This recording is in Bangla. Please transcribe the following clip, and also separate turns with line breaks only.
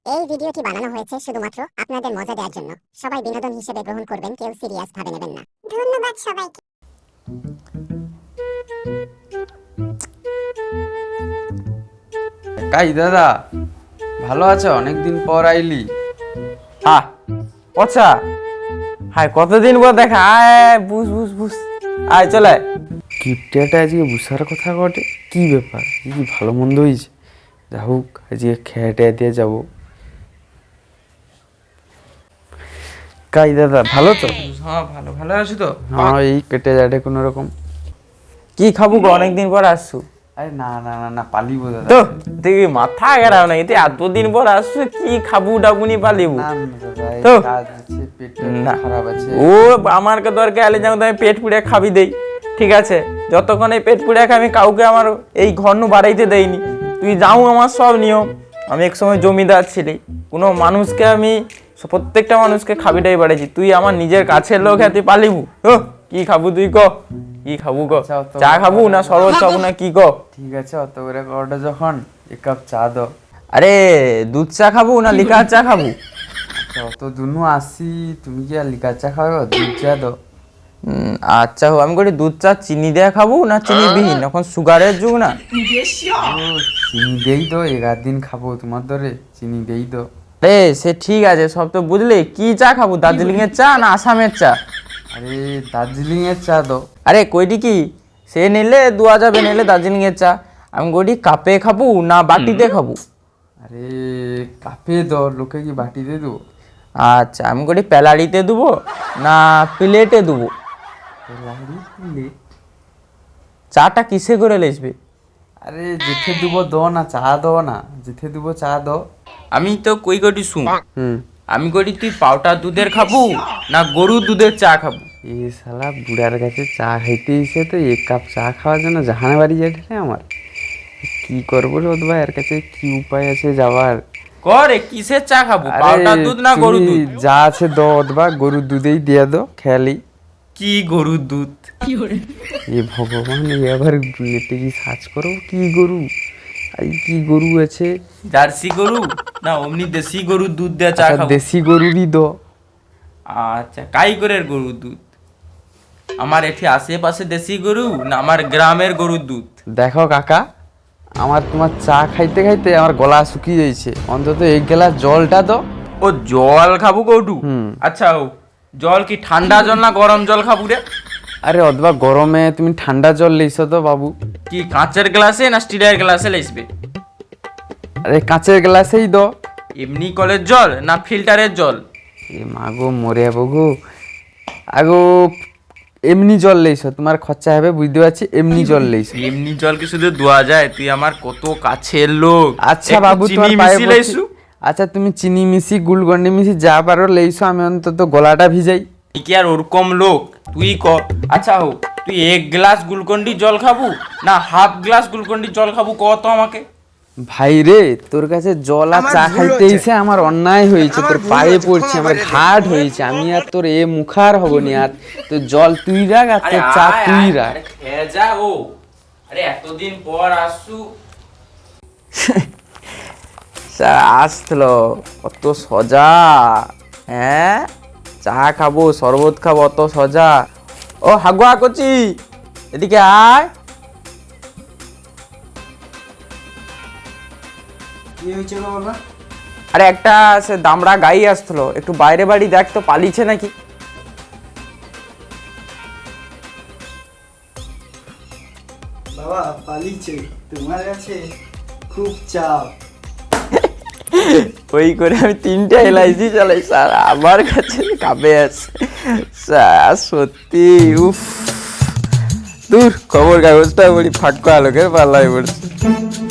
এই ভিডিওটি বানানো হয়েছে শুধুমাত্র আপনাদের মজা দেওয়ার জন্য। সবাই বিনোদন হিসেবে গ্রহণ করবেন, কেউ সিরিয়াস ভাবে নেবেন না। ধন্যবাদ সবাইকে।
কাই দাদা, ভালো আছো? অনেকদিন পর আইলি।
হ্যাঁ পচা, হাই কতদিন পর দেখা। আয় বুঝ বুঝ বুঝ, আয় চলে।
কিপটাটা আজকে বুসার কথা ঘটে, কি ব্যাপার? কি ভালো মন্দ হয়েছে? যা হোক, আজকে খেয়ে দিয়ে যাবো। কাই দাদা, ভালো তো?
হ্যাঁ ভালো ভালো আছো তো?
হ্যাঁ, এই কেটে যাটে কোনো রকম।
কি খাবো গো, অনেকদিন পর আসছো?
আরে না না না না, পালিবো দাদা।
তো তুই মাথা গেরাও না, এতে এতদিন পর আসছো, কি খাবো ডাবুনি পালিবো?
না না দাদা, এই
তো
কাজ আছে, পেটটা
না
খারাপ আছে।
ও আমার দরকার এলে যেমন আমি পেট পুড়ে খাবি দেই, ঠিক আছে? যতক্ষণ এই পেট পুড়ে খাই আমি কাউকে আমার এই ঘর নু বাড়াইতে দেইনি। তুই যাও, আমার সব নিয়ম। আমি এক সময় জমিদার ছিলি, কোনো মানুষকে আমি প্রত্যেকটা মানুষকে খাবিটাই বাড়াইছি। তুই আমার নিজের কাছের লোক, হ্যাঁ তুই পালিবু? ও কি খাবো তুই ক? কি খাবো ক? চা খাবো না শরবত খাবো না কি ক?
ঠিক আছে, অত করে কটা যখন, এক কাপ চা দাও।
আরে দুধ চা খাবো না লিকার চা খাবো?
আচ্ছা, অত দুনু আসি, তুমি কি আর লিকার চা খাবে? দুধ চা দাও।
আচ্ছা আমি করি দুধ চা চিনি দেয়া খাবো না চিনি বিহীন? এখন সুগারের যুগ না।
চিনি দেই তো, 11 দিন খাবো তোমার ধরে, চিনি দেই তো।
রে সে ঠিক আছে, সব তো বুঝলি। কি চা খাবো, দার্জিলিং এর চা না আসামের চা?
আরে দার্জিলিং এর চা দাও।
আরে কইটি কি, সে নিলে 2000 নিলে দার্জিলিং এর চা। আমি কইটি কাপে খাবো না বাটিতে খাবো?
আরে কাপে দাও, লোকে কি বাটিতে দেবো?
আচ্ছা আমি কইটি প্যালাড়িতে দেবো না প্লেটে দেবো? চাটা কিসে করে লেসবে?
আরে যেতে দেবো দো না, চা দো না, যেতে দেবো চা দো।
আমি তো কই কটি শুন,
হুম।
আমি কইটি তুই পাউডার দুধের খাবো না গরুর দুধের চা খাবো?
এই শালা বুড়ার কাছে চা খাইতে এসে তো 1 কাপ চা খাওয়ার জন্য জাহানে বাড়ি যেতে রে আমার। কি করবো রে ওদবা, এর কাছে কি উপায় আছে যাওয়ার?
করে কিসের চা খাবো, পাউডার দুধ না গরুর
তুমি
দুধ?
যা আছে দো ওদবা, গরুর দুধেই দিয়ে দো খেয়ালি।
কি গরুর দুধ?
এ ভগবান, এবার নেটে কি সার্চ করো কি গরু, এই কি গরু আছে?
জার্সি গরু না অমনি দেশি গরুর দুধ দেয়া চা
আচ্ছা,
খাবো?
দেশি গরুরই দো।
আচ্ছা কাই করে গরুর দুধ? আমার এটি আশেপাশে দেশি গরু না আমার গ্রামের গরুর দুধ?
দেখো কাকা, আমার তোমার চা খাইতে খাইতে আমার গলা শুকিয়ে যাচ্ছে, অন্তত 1 গ্লাস জলটা দো।
ও জল খাবো কৌটু?
হুম।
আচ্ছা ও জল কি ঠান্ডা জল না গরম জল খাবো রে?
আরে অথবা গরমে তুমি ঠান্ডা জল লেইছো তো বাবু।
কি কাঁচের গ্লাসে না স্টিলের গ্লাসে লেসবে?
আরে কাঁচের গ্লাসেই দো।
এমনি কলের জল না ফিল্টারের জল?
এ মাগো মরে যাবো গো। আগো এমনি জল লেইছো, তোমার খরচা হবে বুঝতে পারছি, এমনি জল লেইছো।
এমনি জল কি শুধু ধোয়া যায়? তুই আমার কত কাছের লোক।
আচ্ছা
একটু
বাবু,
চিনি
তোমার পায়ে
মিশি
পড়ছি।
লাইছু?
আচ্ছা তুমি চিনি মিশি গুলগন্ডি মিশি যা পারো লেইছো, আমি অন্তত গলাটা ভিজাই।
তুই কি আর ওরকম লোক? তুই ক। আচ্ছা হোক, তুই 1 গ্লাস গ্লুকন্ডি জল খাবো না হাফ গ্লাস গ্লুকন্ডি জল খাবো ক তো আমাকে?
ভাই রে, তোর কাছে জল আর চা খাইতে এসে আমার অন্যায় হয়েছে, তোর পায়ে পড়ছে, আমার ঘাট হয়েছে, আমি আর তোর এ মুখার হব নি আর। তোর জল তুই রাখ আর তোর চা তুই রাখ।
খেয়ে যা ও। আরে এতদিন পর আসছু। আসলো অত সজা? হ্যাঁ চা খাবো শরবত খাবো অত সজা? ও হাগুয়া কচি, এদিকে আয়। আরে একটা সে দামড়া গাই আসলো, একটু বাইরে বাড়ি দেখ তো পালিছে নাকি।
বাবা পালিছে, তোমার কাছে খুব চাপ।
ওই করে আমি 3টা এলআইসি চালাই স্যার, আমার কাছে কাবে আছে স্যার। সত্যি উফ, দূর খবর কাগজটা বড়ি ফাঁকা লোকের পাল্লায় পড়ছে।